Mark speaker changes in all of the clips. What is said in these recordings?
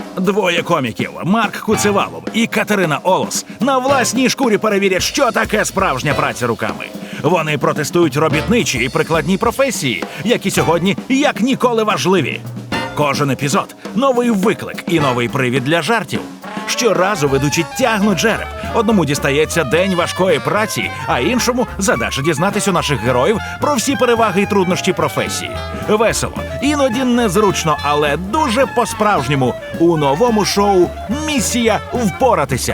Speaker 1: Двоє коміків Марк Куцевалов і Катерина Олос на власній шкурі перевірять, що таке справжня праця руками. Вони протестують робітничі і прикладні професії, які сьогодні як ніколи важливі. Кожен епізод – новий виклик і новий привід для жартів. Щоразу ведучі тягнуть жереб. Одному дістається день важкої праці, а іншому – задача дізнатись у наших героїв про всі переваги і труднощі професії. Весело, іноді незручно, але дуже по-справжньому у новому шоу «Місія впоратися».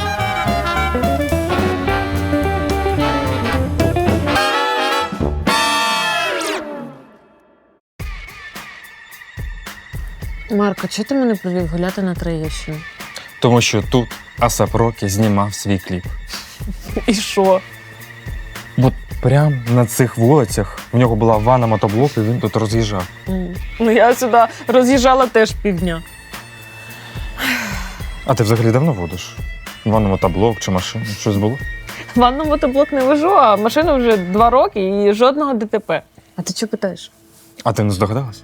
Speaker 2: Марко, чого ти мене привів гуляти на Троєщину?
Speaker 3: Тому що тут Асап Рокі знімав свій кліп.
Speaker 2: І що?
Speaker 3: От прямо на цих вулицях в нього була ванна мотоблок, і він тут роз'їжджав.
Speaker 2: Ну я сюди роз'їжджала теж півдня.
Speaker 3: А ти взагалі давно водиш? Ванну мотоблок чи машину? Щось було?
Speaker 2: Ванну мотоблок не вожу, а машину вже 2 роки і жодного ДТП. А ти чого питаєш?
Speaker 3: А ти не здогадалась?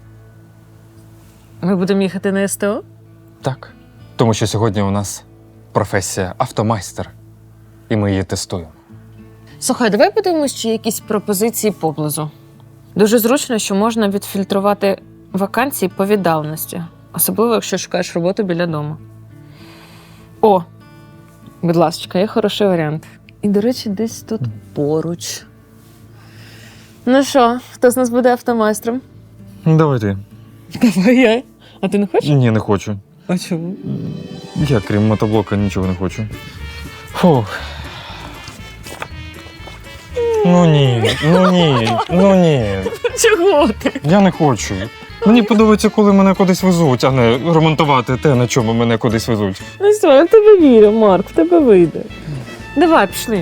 Speaker 2: Ми будемо їхати на СТО?
Speaker 3: Так. Тому що сьогодні у нас професія автомайстер, і ми її тестуємо.
Speaker 2: Слухай, давай подивимось, чи є якісь пропозиції поблизу. Дуже зручно, що можна відфільтрувати вакансії по віддаленості. Особливо, якщо шукаєш роботу біля дому. О, будь ласка, є хороший варіант. І, до речі, десь тут поруч. Ну що, хто з нас буде автомайстром?
Speaker 3: Давай ти.
Speaker 2: Давай я. А ти не хочеш?
Speaker 3: Ні, не хочу.
Speaker 2: А чому?
Speaker 3: Я, крім мотоблока, нічого не хочу. Фух. Ну ні.
Speaker 2: Чого ти?
Speaker 3: Я не хочу. Мені подобається, коли мене кудись везуть, а не ремонтувати те, на чому мене кудись везуть.
Speaker 2: Ну все, я в тебе вірю, Марк, в тебе вийде. Давай, пішли.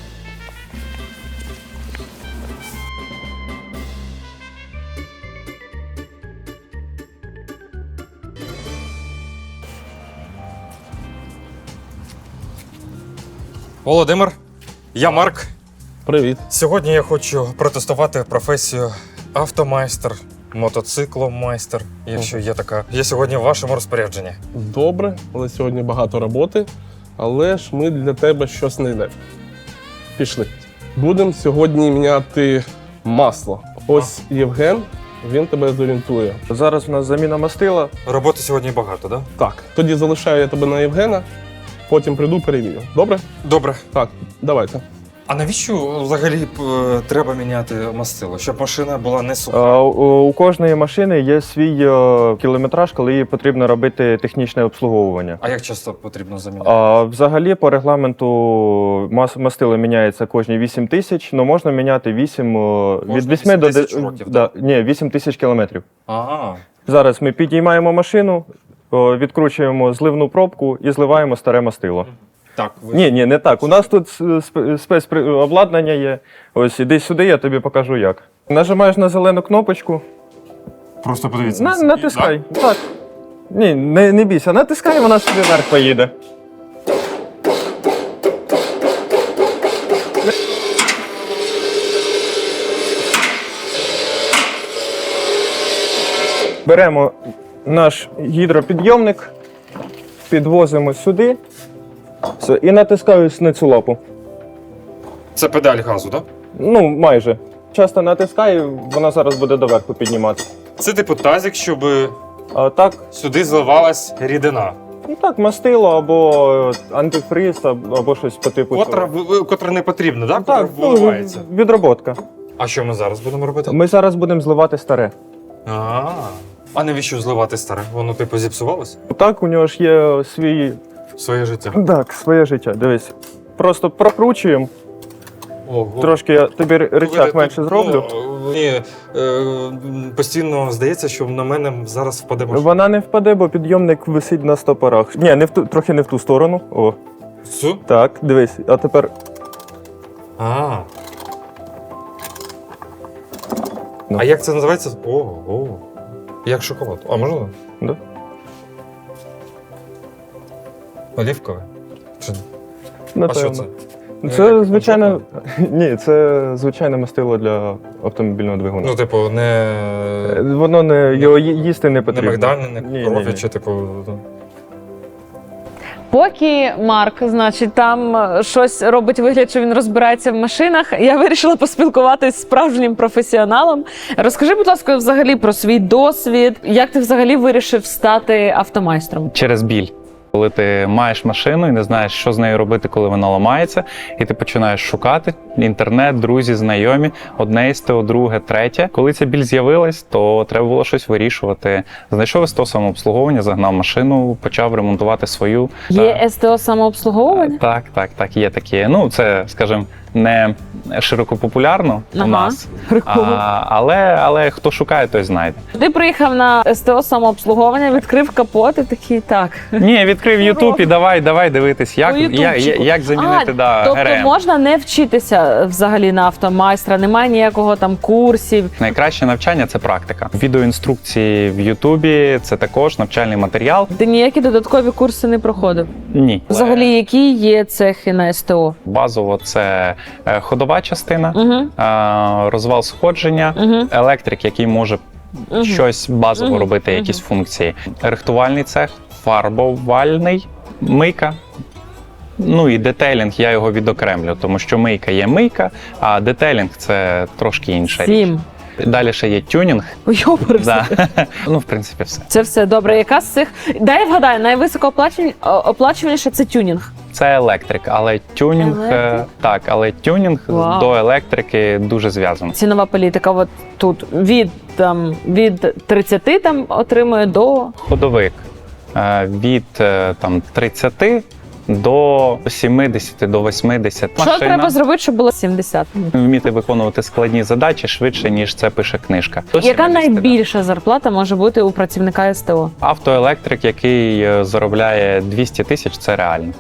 Speaker 3: Володимир, я Марк.
Speaker 4: Привіт.
Speaker 3: Сьогодні я хочу протестувати професію автомайстер, мотоцикломайстер, якщо є така. Я сьогодні в вашому розпорядженні.
Speaker 4: Добре, але сьогодні багато роботи, але ж ми для тебе щось знайдемо. Пішли. Будемо сьогодні міняти масло. Ось Євген, він тебе зорієнтує.
Speaker 5: Зараз у нас заміна мастила.
Speaker 3: Роботи сьогодні багато, так?
Speaker 4: Так, тоді залишаю я тебе на Євгена, потім прийду, перевірю. Добре?
Speaker 3: Добре.
Speaker 4: Так, давайте.
Speaker 3: А навіщо взагалі треба міняти мастило? Щоб машина була не суха?
Speaker 5: У кожної машини є свій кілометраж, коли їй потрібно робити технічне обслуговування.
Speaker 3: А як часто потрібно заміняти?
Speaker 5: Взагалі, по регламенту мастило міняється кожні 8 тисяч, але можна міняти 8 від 8 до
Speaker 3: 10 років,
Speaker 5: да, ні, 8 тисяч кілометрів.
Speaker 3: Ага.
Speaker 5: Зараз ми підіймаємо машину, відкручуємо зливну пробку і зливаємо старе мастило.
Speaker 3: Так,
Speaker 5: Ні, не так. У нас тут спецобладнання є. Ось, іди сюди, я тобі покажу як. Нажимаєш на зелену кнопочку.
Speaker 3: Просто подивіться.
Speaker 5: Натискай. Так. Ні, не бійся, натискай, вона собі вверх поїде. Беремо наш гідропідйомник, підвозимо сюди. Все, і натискаю на цю лапу.
Speaker 3: Це педаль газу, так?
Speaker 5: Ну, майже. Часто натискаю, вона зараз буде доверху піднімати.
Speaker 3: Це типу тазик, щоб
Speaker 5: А так,
Speaker 3: сюди зливалась рідина.
Speaker 5: ну так, мастило або антифриз, або щось по типу.
Speaker 3: Котра не потрібна, так?
Speaker 5: Так,
Speaker 3: Виливається.
Speaker 5: відроботка.
Speaker 3: А що ми зараз будемо робити?
Speaker 5: Ми зараз будемо зливати старе.
Speaker 3: А навіщо зливати старе? Воно типу зіпсувалось?
Speaker 5: Так, у нього ж є свій.
Speaker 3: Своє життя.
Speaker 5: Так, своє життя. Дивись. Просто прокручуємо.
Speaker 3: Ого.
Speaker 5: Трошки я тобі рычаг менше зроблю.
Speaker 3: Мені постійно здається, що на мене зараз впаде машина.
Speaker 5: Вона не впаде, бо підйомник висить на стопорах. Ні, трохи не в ту сторону. О.
Speaker 3: Все?
Speaker 5: Так, дивись. А тепер. Ну.
Speaker 3: А як це називається? Ого. Як шоколад. А можна?
Speaker 5: Да.
Speaker 3: Олівкове? Чи... А
Speaker 5: Напевно.
Speaker 3: що це?
Speaker 5: Це звичайно. Ні, це звичайне мастило для автомобільного двигуна.
Speaker 3: Ну, типу, не,
Speaker 5: Воно не його їсти не
Speaker 3: не
Speaker 5: потрібно.
Speaker 3: мигдальне, не
Speaker 5: Ні,
Speaker 3: коров'я,
Speaker 5: ні, ні.
Speaker 3: чи типу.
Speaker 2: Поки Марк, значить, там щось робить вигляд, що він розбирається в машинах, я вирішила поспілкуватись з справжнім професіоналом. Розкажи, будь ласка, взагалі про свій досвід. Як ти взагалі вирішив стати автомайстром?
Speaker 6: Через біль. Коли ти маєш машину і не знаєш, що з нею робити, коли вона ламається, і ти починаєш шукати інтернет, друзі, знайомі, одне СТО, друге, третє. Коли ця біль з'явилась, то треба було щось вирішувати. Знайшов СТО самообслуговування, загнав машину, почав ремонтувати свою.
Speaker 2: Є СТО самообслуговування?
Speaker 6: Так, є такі. Ну, це, скажімо, не широко популярно у нас,
Speaker 2: Прикольно.
Speaker 6: але хто шукає, той знайде.
Speaker 2: Ти приїхав на СТО самообслуговування, відкрив капот і такий, так.
Speaker 6: Ні, відкрив YouTube і давай дивитись,
Speaker 2: По ютубчику.
Speaker 6: як замінити
Speaker 2: Тобто
Speaker 6: ГРМ.
Speaker 2: можна не вчитися взагалі на автомайстра, немає ніякого там курсів.
Speaker 6: Найкраще навчання – це практика. Відеоінструкції в Ютубі – це також навчальний матеріал.
Speaker 2: Ти ніякі додаткові курси не проходив.
Speaker 6: Ні.
Speaker 2: Взагалі, які є цехи на СТО?
Speaker 6: Базово це ходова частина,
Speaker 2: Угу.
Speaker 6: розвал сходження,
Speaker 2: Угу.
Speaker 6: електрик, який може
Speaker 2: Угу.
Speaker 6: щось базово
Speaker 2: Мгм.
Speaker 6: робити, якісь функції. Рихтувальний цех, фарбовальний, мийка. Ну і детейлінг я його відокремлю, тому що мийка є мийка, а детейлінг це трошки інша річ.
Speaker 2: 7.
Speaker 6: Далі ще є тюнінг.
Speaker 2: Ой, йопарся.
Speaker 6: Да. Ну, в принципі, все.
Speaker 2: Це все добре. Яка з цих? Дай я вгадаю, найвисокооплачуваніше це тюнінг.
Speaker 6: Це електрик, але тюнінг
Speaker 2: Електрик?
Speaker 6: так, але тюнінг
Speaker 2: Вау.
Speaker 6: до електрики дуже зв'язаний.
Speaker 2: Цінова політика. От тут від 30 там отримує до
Speaker 6: Ходовик від 30 до 70, до 80.
Speaker 2: що треба зробити, щоб було 70?
Speaker 6: Вміти виконувати складні задачі швидше, ніж це пише книжка. До
Speaker 2: Яка
Speaker 6: 70, да.
Speaker 2: найбільша зарплата може бути у працівника СТО?
Speaker 6: Автоелектрик, який заробляє 200 тисяч, це реально.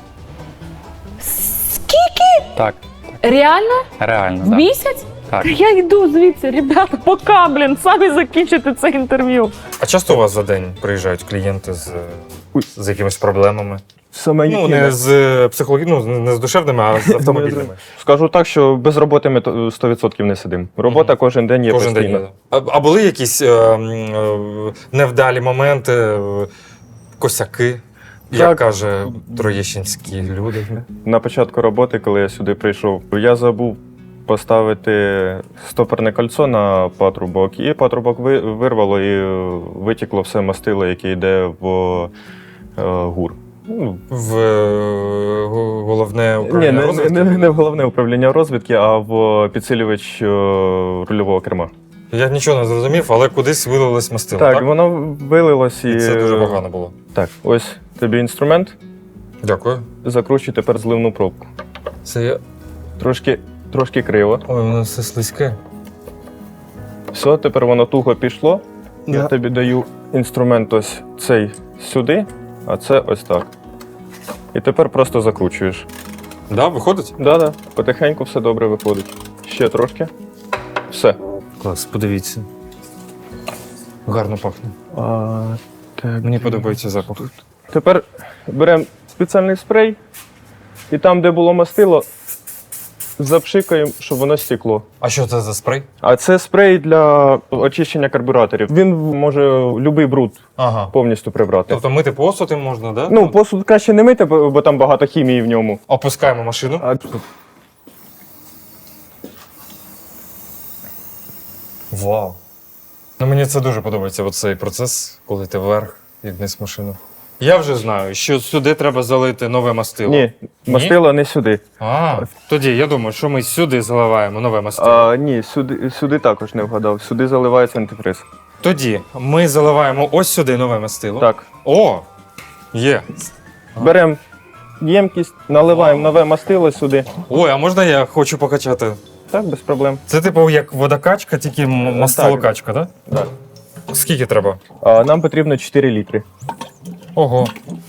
Speaker 2: Скільки?
Speaker 6: Так,
Speaker 2: В
Speaker 6: реально. Да.
Speaker 2: місяць?
Speaker 6: Так.
Speaker 2: Я йду звідси, ребята, пока, блін, самі закінчите це інтерв'ю.
Speaker 3: А часто у вас за день приїжджають клієнти з якимись проблемами?
Speaker 5: Саме
Speaker 3: Ну,
Speaker 5: які-
Speaker 3: не з психологічними, не з душевними, а з автомобільними.
Speaker 5: Скажу так, що без роботи ми 100% не сидимо. Робота кожен день є
Speaker 3: Кожен
Speaker 5: постійно.
Speaker 3: день. А були якісь невдалі моменти, косяки, як
Speaker 5: Так.
Speaker 3: каже троєщинські люди?
Speaker 5: На початку роботи, коли я сюди прийшов, я забув поставити стопорне кольцо на патрубок, і патрубок вирвало і витікло все мастило, яке йде в гур. Ну,
Speaker 3: В головне
Speaker 5: Ні,
Speaker 3: управління розвитку?
Speaker 5: не в головне управління розвідки, а в підсилювач рульового керма.
Speaker 3: Я нічого не зрозумів, але кудись вилилось мастило, так?
Speaker 5: Так, воно вилилось і.
Speaker 3: І це дуже погано було.
Speaker 5: Так, ось тобі інструмент.
Speaker 3: Дякую.
Speaker 5: Закручуй тепер зливну пробку.
Speaker 3: Це я.
Speaker 5: Трошки криво.
Speaker 3: Ой, воно все слизьке.
Speaker 5: Все, тепер воно туго пішло.
Speaker 3: Да.
Speaker 5: Я тобі даю інструмент ось цей сюди, а це ось так. І тепер просто закручуєш.
Speaker 3: Да, виходить?
Speaker 5: Да, потихеньку все добре виходить. Ще трошки. Все.
Speaker 3: Клас, подивіться. Гарно пахне.
Speaker 5: Так.
Speaker 3: Мені подобається запах.
Speaker 5: Тепер беремо спеціальний спрей, і там, де було мастило, запшикаємо, щоб воно стекло.
Speaker 3: А що це за спрей?
Speaker 5: А це спрей для очищення карбюраторів. Він може будь-який бруд
Speaker 3: Ага.
Speaker 5: повністю прибрати.
Speaker 3: Тобто мити посуд їм можна, да?
Speaker 5: Ну, посуд краще не мити, бо там багато хімії в ньому.
Speaker 3: Опускаємо машину.
Speaker 5: А
Speaker 3: Вау. Ну, мені це дуже подобається, оцей процес, коли ти вверх і вниз машину. Я вже знаю, що сюди треба залити нове мастило.
Speaker 5: ні, мастило не сюди.
Speaker 3: Тоді я думаю, що ми сюди заливаємо нове мастило.
Speaker 5: Ні, сюди також не вгадав. Сюди заливається антифриз.
Speaker 3: Тоді ми заливаємо ось сюди нове мастило.
Speaker 5: Так.
Speaker 3: О! Є.
Speaker 5: Беремо ємкість, наливаємо нове мастило сюди.
Speaker 3: Ой, а можна я хочу покачати?
Speaker 5: Так, без проблем.
Speaker 3: Це типу як водокачка, тільки мастилокачка, так?
Speaker 5: Так.
Speaker 3: Скільки треба?
Speaker 5: Нам потрібно 4 літри.
Speaker 3: Ого.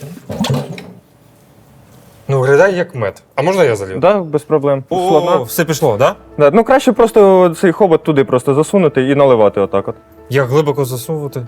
Speaker 3: Ну, виглядає як мед. А можна я залью?
Speaker 5: Так, без проблем.
Speaker 3: О,
Speaker 5: Слабна.
Speaker 3: все пішло, так? Да?
Speaker 5: Да, ну краще просто цей хобот туди просто засунути і наливати отак от.
Speaker 3: Як глибоко засовувати?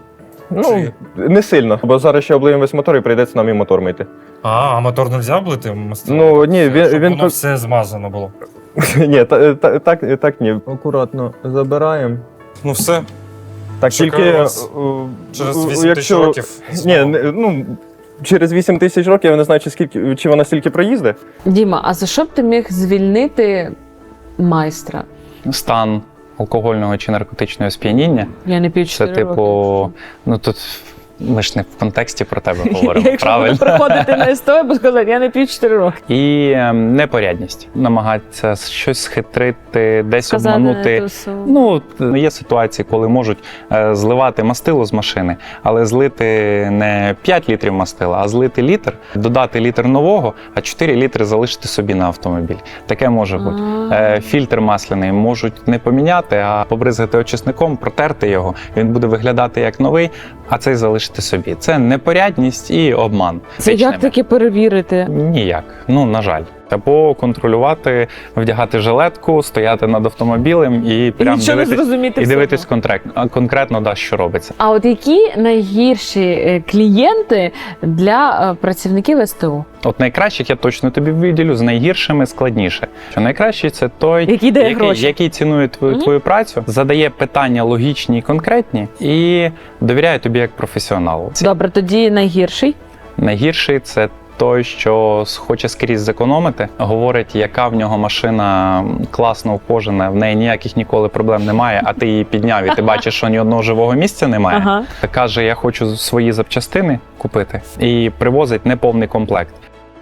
Speaker 5: Ну, не сильно, бо зараз ще облиємо весь мотор і прийдеться нам і мотор мити.
Speaker 3: А мотор не можна облити мастилом?
Speaker 5: Ну, ні,
Speaker 3: Щоб
Speaker 5: він
Speaker 3: воно все змазано було.
Speaker 5: Ні, так ні. Акуратно забираємо.
Speaker 3: Ну все,
Speaker 5: Так,
Speaker 3: Чекаю
Speaker 5: тільки
Speaker 3: вас через 8 тисяч
Speaker 5: якщо...
Speaker 3: років.
Speaker 5: Ні, ну, через 8 тисяч років я не знаю, чи вона стільки проїздить.
Speaker 2: Діма, а за що б ти міг звільнити майстра?
Speaker 6: Стан алкогольного чи наркотичного сп'яніння.
Speaker 2: Я не п'ю
Speaker 6: Це
Speaker 2: 4
Speaker 6: типу, ну тут ми ж не в контексті про тебе говоримо,
Speaker 2: Якщо
Speaker 6: правильно?
Speaker 2: буду приходити на СТО, я буду сказати, я не п'ю 4 роки.
Speaker 6: І непорядність. Намагатися щось схитрити, десь
Speaker 2: Сказати
Speaker 6: обманути.
Speaker 2: ту суму.
Speaker 6: Ну, є ситуації, коли можуть зливати мастило з машини, але злити не 5 літрів мастила, а злити літр, додати літр нового, а 4 літри залишити собі на автомобіль. Таке може бути. Фільтр масляний можуть не поміняти, а побризгати очисником, протерти його. Він буде виглядати як новий, а цей залишити собі. Це непорядність і обман.
Speaker 2: Це як
Speaker 6: Фізичними.
Speaker 2: таки перевірити?
Speaker 6: Ніяк. Ну, на жаль. Або контролювати, вдягати жилетку, стояти над автомобілем і прям
Speaker 2: нічого не
Speaker 6: дивитись,
Speaker 2: зрозуміти
Speaker 6: і
Speaker 2: всього.
Speaker 6: дивитись конкретно, да, що робиться.
Speaker 2: А от які найгірші клієнти для працівників СТО?
Speaker 6: От найкращих я точно тобі виділю, з найгіршими складніше. Що найкращий це той,
Speaker 2: Який дає гроші.
Speaker 6: який цінує твою працю, задає питання логічні і конкретні і довіряє тобі як професіоналу.
Speaker 2: Добре, тоді найгірший.
Speaker 6: Найгірший це той, що хоче скрізь зекономити, говорить, яка в нього машина класно ухожена, в неї ніяких ніколи проблем немає, а ти її підняв і ти бачиш, що ні одного живого місця немає.
Speaker 2: Ага.
Speaker 6: Каже, я хочу свої запчастини купити і привозить неповний комплект.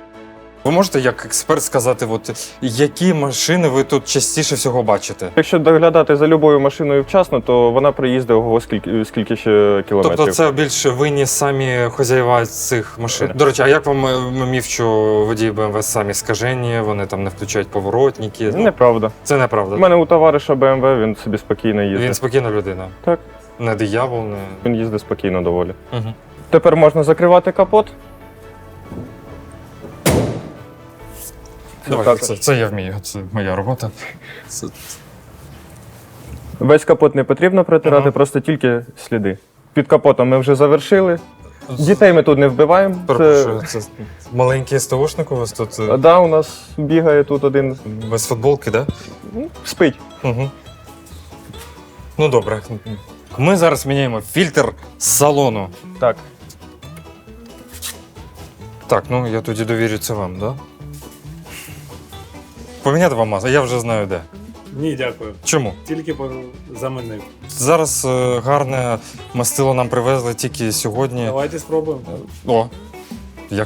Speaker 3: Ви можете як експерт сказати, от, які машини ви тут частіше всього бачите?
Speaker 5: Якщо доглядати за любою машиною вчасно, то вона проїздить ого скільки ще кілометрів.
Speaker 3: Тобто це більше винні самі хазяїва цих машин. До речі, а як вам міф, що водії BMW самі скажені, вони там не включають поворотники?
Speaker 5: Неправда.
Speaker 3: Це неправда.
Speaker 5: У мене у товариша BMW, він собі спокійно їздить.
Speaker 3: Він спокійна людина.
Speaker 5: Так.
Speaker 3: Не диявол, не...
Speaker 5: Він їздить спокійно доволі.
Speaker 3: Угу.
Speaker 5: Тепер можна закривати капот.
Speaker 3: Давай, це я вмію, це моя робота. Це...
Speaker 5: Весь капот не потрібно протирати,
Speaker 3: Ага.
Speaker 5: просто тільки сліди. Під капотом ми вже завершили. Дітей ми тут не вбиваємо.
Speaker 3: Перепрошую, це маленький СТОшник у вас тут
Speaker 5: Да, у нас бігає тут один.
Speaker 3: без футболки, так? Да?
Speaker 5: Спить.
Speaker 3: Угу. Ну добре. Ми зараз міняємо фільтр салону.
Speaker 5: Так.
Speaker 3: Так, ну я тоді довірю це вам, так? Да? Поміняти вам масло? Я вже знаю де.
Speaker 7: Ні, дякую.
Speaker 3: Чому?
Speaker 7: Тільки замінив.
Speaker 3: Зараз гарне мастило нам привезли тільки сьогодні.
Speaker 7: Давайте спробуємо.
Speaker 3: О, як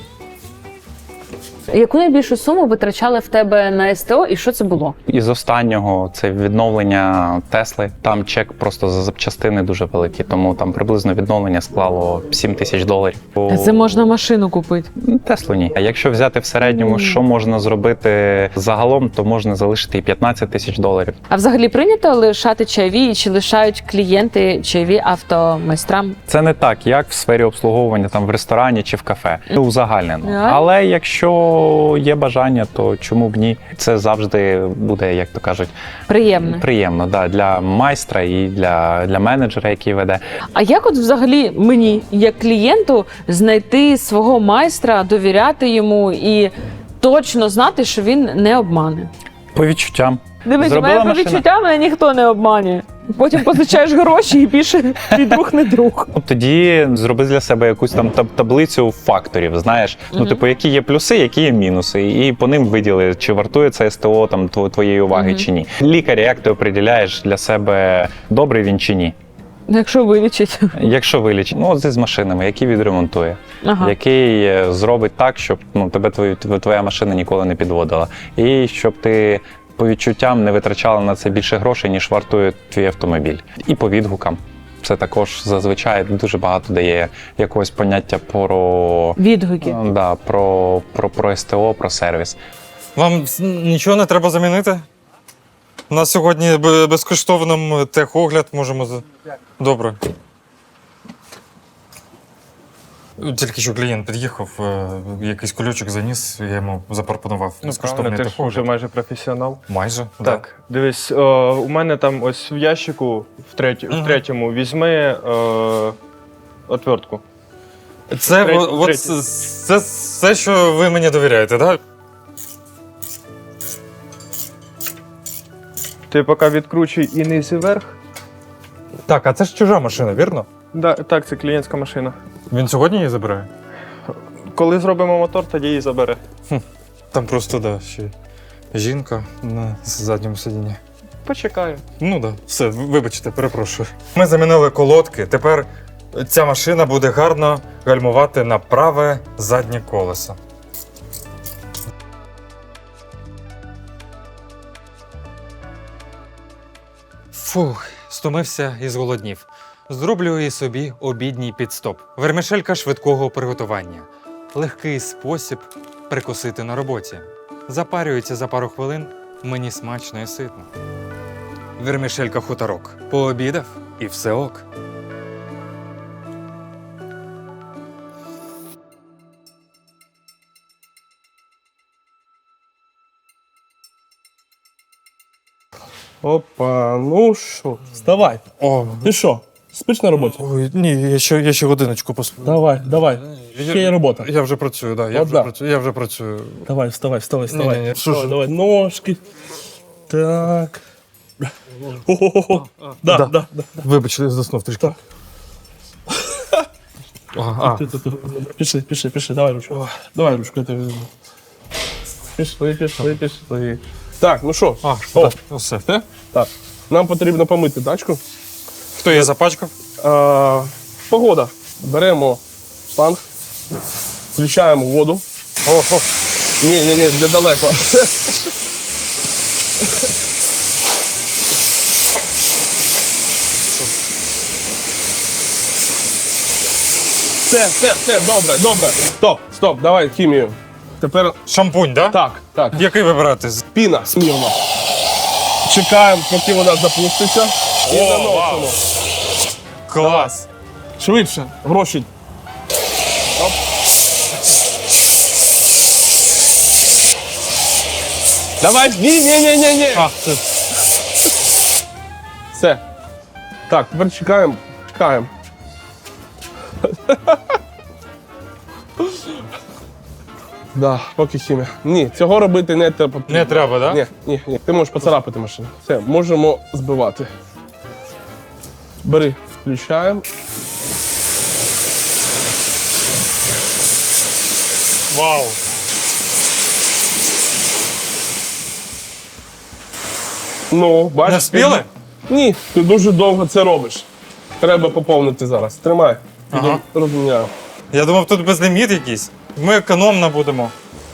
Speaker 2: Яку найбільшу суму витрачали в тебе на СТО і що це було?
Speaker 6: Із останнього це відновлення Тесли. Там чек просто за запчастини дуже великий, тому там приблизно відновлення склало $7,000.
Speaker 2: Це можна машину купити.
Speaker 6: Теслу ні. А якщо взяти в середньому, що можна зробити загалом, то можна залишити і $15,000.
Speaker 2: А взагалі прийнято лишати чайові і чи лишають клієнти чайові автомайстрам?
Speaker 6: Це не так, як в сфері обслуговування там в ресторані чи в кафе. Це узагальнено.
Speaker 2: Реально?
Speaker 6: Але якщо є бажання, то чому б ні? Це завжди буде, як то кажуть,
Speaker 2: Приємно.
Speaker 6: да, для майстра і для менеджера, який веде.
Speaker 2: А як от взагалі мені, як клієнту, знайти свого майстра, довіряти йому і точно знати, що він не обмане?
Speaker 6: По відчуттям.
Speaker 2: Дивись, у
Speaker 6: Зробила
Speaker 2: мене по
Speaker 6: машина.
Speaker 2: відчуттям мене ніхто не обманює. Потім позичаєш гроші і більше твій друг не друг.
Speaker 6: Ну, тоді зроби для себе якусь там таблицю факторів, знаєш. Ну, типу, які є плюси, які є мінуси. І по ним виділи, чи вартує це СТО там твоєї уваги, чи ні. Лікар, як ти определяєш для себе, добрий він чи ні.
Speaker 2: Якщо вилічить.
Speaker 6: Якщо вилічить, ну, от з машинами, який відремонтує,
Speaker 2: Ага.
Speaker 6: який зробить так, щоб тебе твоя машина ніколи не підводила. І щоб ти по відчуттям не витрачала на це більше грошей, ніж вартує твій автомобіль. І по відгукам. Це також зазвичай дуже багато дає якогось поняття про,
Speaker 2: Відгуки.
Speaker 6: да, про СТО, про сервіс.
Speaker 3: вам нічого не треба замінити? У нас сьогодні безкоштовним техогляд можемо. Добре. Тільки що клієнт під'їхав, якийсь кульочок заніс, я йому запропонував безкоштовний
Speaker 5: ти ж вже
Speaker 3: техогляд.
Speaker 5: майже професіонал.
Speaker 3: Майже?
Speaker 5: Так, дивись, у мене там ось в ящику, в третьому, візьми отвертку.
Speaker 3: Це
Speaker 5: Третій,
Speaker 3: от
Speaker 5: третій.
Speaker 3: це все, що ви мені довіряєте, так?
Speaker 5: Ти поки відкручуй і низ і вверх.
Speaker 3: Так, а це ж чужа машина, вірно?
Speaker 5: Да, так, це клієнтська машина.
Speaker 3: Він сьогодні її забирає?
Speaker 5: Коли зробимо мотор, тоді її забере.
Speaker 3: Там просто, да, ще жінка на задньому сидінні.
Speaker 5: Почекаю.
Speaker 3: Ну да, все, вибачте, перепрошую. Ми замінили колодки. Тепер ця машина буде гарно гальмувати на праве заднє колесо. Фух, стомився і зголоднів. Зроблю і собі обідній підстоп. Вермішелька швидкого приготування. Легкий спосіб прикусити на роботі. Запарюється за пару хвилин, мені смачно і ситно. Вермішелька хуторок. Пообідав і все ок.
Speaker 4: Опа, ну що, вставай.
Speaker 3: О,
Speaker 4: Ти що, спиш на роботі?
Speaker 3: ой, ні, я ще годиночку посплю.
Speaker 4: Давай. Ще є робота.
Speaker 3: Я вже працюю, да,
Speaker 4: Одна.
Speaker 3: я вже працюю.
Speaker 4: Давай, вставай.
Speaker 3: Ні-ні-ні,
Speaker 4: Давай, ножки. Так. Хо-хо-хо. Да.
Speaker 3: Вибач, заснув трішки.
Speaker 4: Пішли, давай ручку. Давай ручку, я тебе візьму. Пішли. Так, ну що?
Speaker 3: О, все.
Speaker 4: Все? Так. Нам потрібно помити тачку.
Speaker 3: Хто її запачкав?
Speaker 4: Погода. Беремо шланг, включаємо воду.
Speaker 3: О,
Speaker 4: Ні, для далеко. Все, добре. Стоп, давай хімію. Тепер
Speaker 3: шампунь, да?
Speaker 4: так.
Speaker 3: Який вибирати?
Speaker 4: Піна смірно. Чекаємо, поки вона запуститься. І наносимо.
Speaker 3: Клас.
Speaker 4: Швидше, гроші. Оп. Давай, ні. Все. Так, тепер чекаємо. Да, поки хімія. Ні, цього робити не треба.
Speaker 3: Не треба, да?
Speaker 4: Ні. Ти можеш поцарапати машину. Все, можемо збивати. Бери, включаємо.
Speaker 3: Вау.
Speaker 4: Ну, бачиш.
Speaker 3: Не вспіли?
Speaker 4: Ні, ти дуже довго це робиш. Треба поповнити зараз. Тримай.
Speaker 3: Ага.
Speaker 4: Розміняю.
Speaker 3: Я думав, тут безліміт якийсь. Ми економно будемо.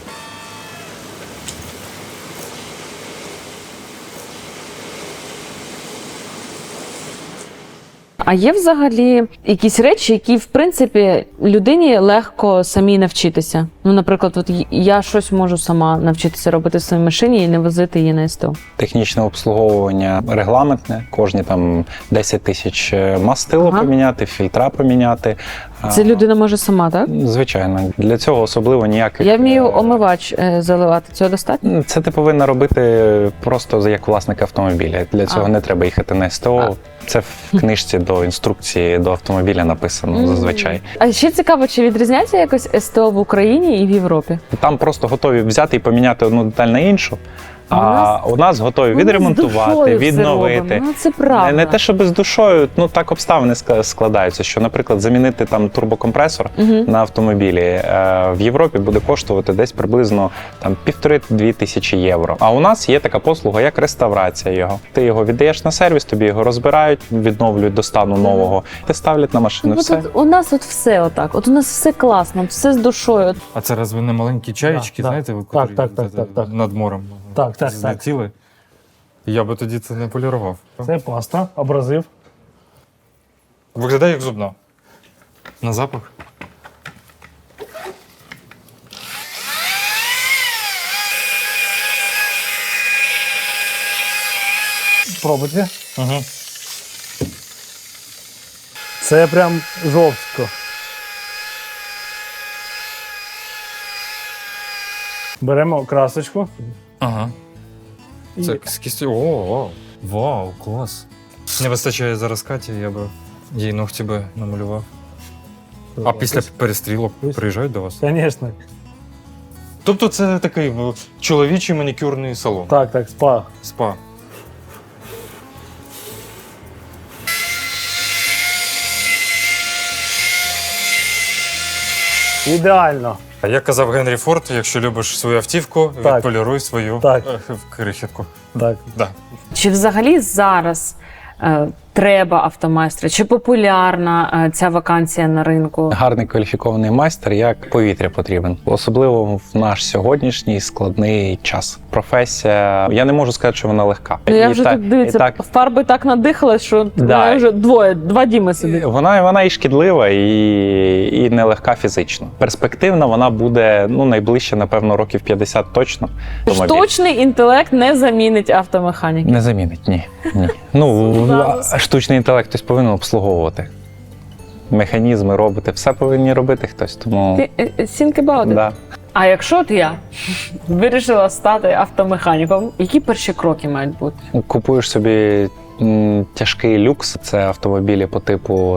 Speaker 2: А є взагалі якісь речі, які, в принципі, людині легко самій навчитися? Ну, наприклад, от я щось можу сама навчитися робити в своїй машині і не возити її на СТО.
Speaker 6: Технічне обслуговування регламентне, кожні там 10 тисяч мастило
Speaker 2: Ага.
Speaker 6: поміняти, фільтра поміняти.
Speaker 2: Це людина може сама, так?
Speaker 6: Звичайно, для цього особливо ніяких.
Speaker 2: Я вмію омивач заливати. Цього достатньо?
Speaker 6: Це ти повинна робити просто як власник автомобіля. Для цього не треба їхати на СТО. Це в книжці до інструкції до автомобіля написано зазвичай.
Speaker 2: А ще цікаво, чи відрізняється якось СТО в Україні і в Європі?
Speaker 6: Там просто готові взяти і поміняти одну деталь на іншу. А у нас готові відремонтувати, відновити.
Speaker 2: Ну, це правда.
Speaker 6: Не те, що без душою, ну так обставини складаються, що, наприклад, замінити там турбокомпресор на автомобілі в Європі буде коштувати десь приблизно там 1,5-2 тисячі євро. А у нас є така послуга, як реставрація його. Ти його віддаєш на сервіс, тобі його розбирають, відновлюють до стану нового, ти ставлять на машину.
Speaker 2: Ну,
Speaker 6: Все.
Speaker 2: от у нас от все отак. От у нас все класно, все з душою.
Speaker 3: А це разве не маленькі чаєчки,
Speaker 7: Да,
Speaker 3: знаєте, ви
Speaker 7: так,
Speaker 3: котрі
Speaker 7: так.
Speaker 3: над морем
Speaker 7: Так.
Speaker 3: злетіли? Я би тоді це не полірував.
Speaker 7: Це паста, абразив.
Speaker 3: Виглядає як зубна. На запах.
Speaker 7: Пробуйте.
Speaker 3: Угу.
Speaker 7: Це прям жорстко. Беремо красочку.
Speaker 3: Ага. Це з кістю. О, вау. Вау, клас. Не вистачає зараз Каті, я би їй ногті би намалював. А після перестрілок приїжджають до вас?
Speaker 7: Звісно.
Speaker 3: Тобто це такий чоловічий манікюрний салон.
Speaker 7: Так, так, спа.
Speaker 3: Спа.
Speaker 7: Ідеально.
Speaker 3: А як казав Генрі Форд, якщо любиш свою автівку,
Speaker 7: Так.
Speaker 3: відполіруй свою
Speaker 7: Так.
Speaker 3: крихітку.
Speaker 7: Так.
Speaker 3: Да.
Speaker 2: Чи взагалі зараз треба автомайстра? Чи популярна ця вакансія на ринку?
Speaker 6: Гарний кваліфікований майстер як повітря потрібен, особливо в наш сьогоднішній складний час. Професія, я не можу сказати, що вона легка.
Speaker 2: Ну, я
Speaker 6: І
Speaker 2: вже
Speaker 6: так-
Speaker 2: тут дивіться,
Speaker 6: і так,
Speaker 2: фарби так надихалась, що
Speaker 6: Да.
Speaker 2: мене вже два Діми сидить.
Speaker 6: вона і шкідлива, і нелегка фізично. Перспективна вона буде найближче, напевно, років 50 точно.
Speaker 2: Штучний інтелект не замінить автомеханіки.
Speaker 6: Не замінить, ні. Штучний інтелект хтось повинен обслуговувати. Механізми, роботи, все повинні робити хтось. Тому
Speaker 2: Think about it.
Speaker 6: да.
Speaker 2: А якщо от я вирішила стати автомеханіком, які перші кроки мають бути?
Speaker 6: Купуєш собі тяжкий люкс. Це автомобілі по типу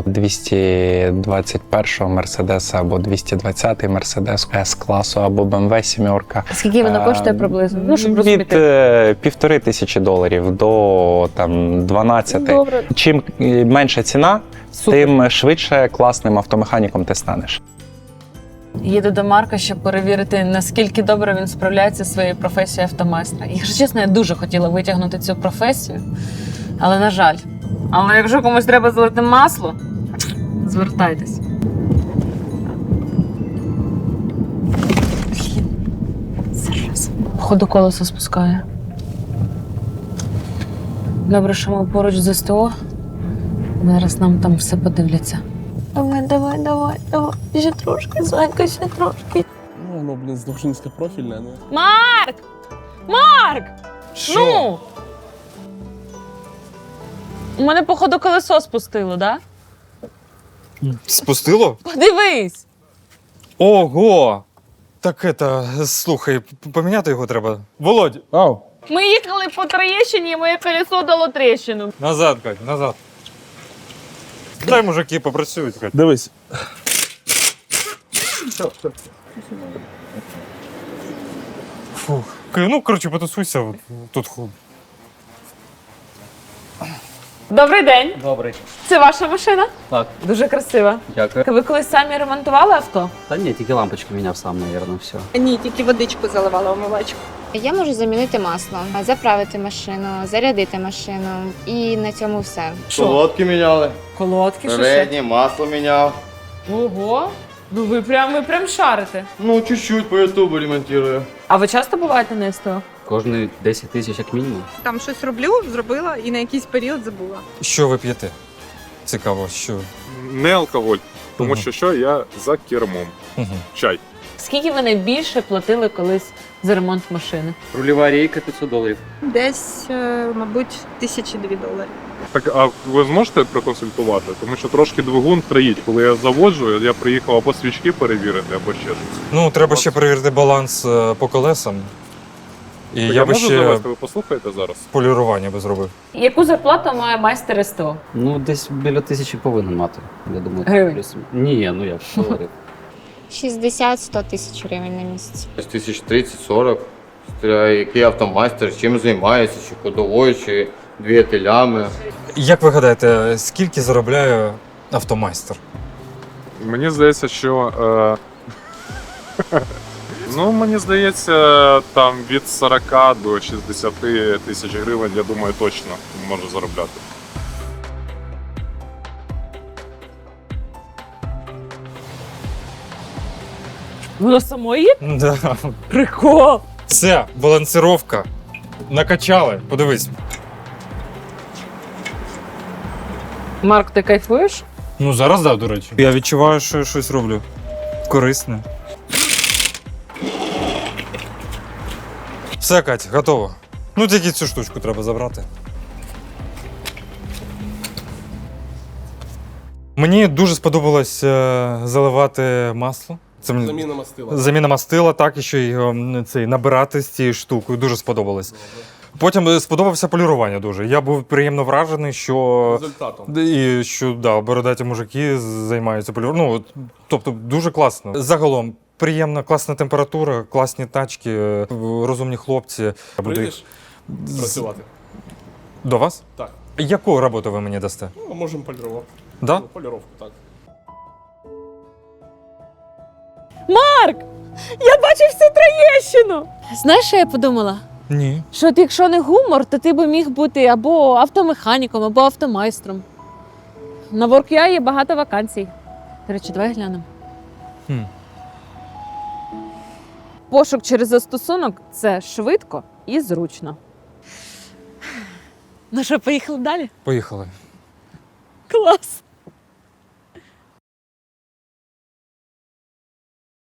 Speaker 6: 221 Мерседеса або 220 Мерседес С-класу або BMW 7.
Speaker 2: Скільки воно коштує приблизно? Ну, щоб
Speaker 6: Від
Speaker 2: розуміти.
Speaker 6: $1500 до 12.
Speaker 2: Добре,
Speaker 6: Чим менша ціна,
Speaker 2: супер.
Speaker 6: тим швидше класним автомеханіком ти станеш.
Speaker 2: Їду до Марка, щоб перевірити, наскільки добре він справляється зі своєю професією автомайстра. Якщо чесно, я дуже хотіла витягнути цю професію, але на жаль. Але якщо комусь треба залити масло, звертайтесь. Зараз. Походу колесо спускає. Добре, що ми поруч з СТО. Зараз нам там все подивляться. Давай. Ще трошки, зайка, ще трошки.
Speaker 4: Ну, воно, дуже низькопрофільне. Ну.
Speaker 2: Марк! Ну! У мене, походу, колесо спустило, да?
Speaker 3: Спустило?
Speaker 2: Подивись!
Speaker 3: Ого! Так слухай, поміняти його треба. Володь!
Speaker 4: Ау!
Speaker 2: Ми їхали по трещині, і моє колесо дало трещину.
Speaker 3: Назад, Кать, назад. Дай мужики попрацюють, Кать.
Speaker 4: Дивись.
Speaker 3: Фух. Ну, коротше, потусуйся тут.
Speaker 2: Добрий день.
Speaker 8: Добрий.
Speaker 2: Це ваша машина?
Speaker 8: Так,
Speaker 2: Дуже красива.
Speaker 8: дякую.
Speaker 2: Ви колись самі ремонтували авто?
Speaker 8: Та ні, тільки лампочку міняв сам, мабуть, все.
Speaker 9: Ні, тільки водичку заливала в омивачку.
Speaker 10: Я можу замінити масло, заправити машину, зарядити машину і на цьому все.
Speaker 11: Колодки міняли,
Speaker 2: Колодки, що ще?
Speaker 11: переднє масло міняв.
Speaker 2: Ого. Ну ви прям шарите.
Speaker 11: Ну, чуть-чуть по ютубу ремонтую.
Speaker 2: А ви часто буваєте на СТО?
Speaker 8: Кожні 10 тисяч як мінімум.
Speaker 9: Там щось роблю, зробила і на якийсь період забула.
Speaker 3: Що ви п'єте? Цікаво, що.
Speaker 12: Не алкоголь, тому
Speaker 3: Мгм.
Speaker 12: що я за кермом. Чай.
Speaker 2: Скільки ви найбільше платили колись за ремонт машини?
Speaker 8: Рульова рейка $500.
Speaker 9: Десь, мабуть, $1002.
Speaker 12: Так, а ви зможете проконсультувати? Тому що трошки двигун троїть. Коли я заводжу, я приїхав або свічки перевірити, або ще щось.
Speaker 3: Ну, треба ще перевірити баланс по колесам. І
Speaker 12: Так,
Speaker 3: я би
Speaker 12: можу
Speaker 3: ще
Speaker 12: завести, ви послухаєте зараз?
Speaker 3: полірування би зробив.
Speaker 2: Яку зарплату має майстер СТО?
Speaker 8: Ну, десь біля 1000 повинен мати. Я думаю,
Speaker 2: Гривень?
Speaker 8: плюс. Ні, ну як, доларів.
Speaker 10: 60-100 тисяч гривень на місяць.
Speaker 11: 1030-40. Який автомайстер, чим займається, чи ходовою, чи двигателями.
Speaker 3: Як ви гадаєте, скільки заробляє автомайстер?
Speaker 12: Мені здається, що. Ну, мені здається, там від 40 до 60 тисяч гривень, я думаю, точно можу заробляти.
Speaker 2: Воно само є?
Speaker 3: Да.
Speaker 2: Прикол!
Speaker 3: Все, балансировка. Накачали. Подивись.
Speaker 2: Марк, ти кайфуєш?
Speaker 3: Ну, зараз да, до речі. Я відчуваю, що я щось роблю корисне. Все, Кать, готово. Ну, тільки цю штучку треба забрати. Мені дуже сподобалось заливати масло. Це мені...
Speaker 4: Заміна мастила.
Speaker 3: Заміна мастила, так, і ще й набирати з цією штукою. Дуже сподобалось. Потім сподобався полірування дуже. Я був приємно вражений, що
Speaker 4: Результатом.
Speaker 3: і що бородаті мужики займаються поліруванням. Ну, тобто дуже класно. Загалом приємна, класна температура, класні тачки, розумні хлопці.
Speaker 4: Прийдеш працювати?
Speaker 3: До вас?
Speaker 4: Так.
Speaker 3: Яку роботу ви мені дасте?
Speaker 4: Ну, можемо полірувати.
Speaker 3: Да?
Speaker 4: Ну, поліровку, так.
Speaker 2: Марк! Я бачив всю Троєщину! Знаєш, що я подумала?
Speaker 3: Ні.
Speaker 2: Що от якщо не гумор, то ти би міг бути або автомеханіком, або автомайстром. На WorkUA є багато вакансій. До речі, давай глянемо.
Speaker 3: Хм.
Speaker 2: Пошук через застосунок – це швидко і зручно. Ну що, поїхали далі?
Speaker 3: Поїхали.
Speaker 2: Клас!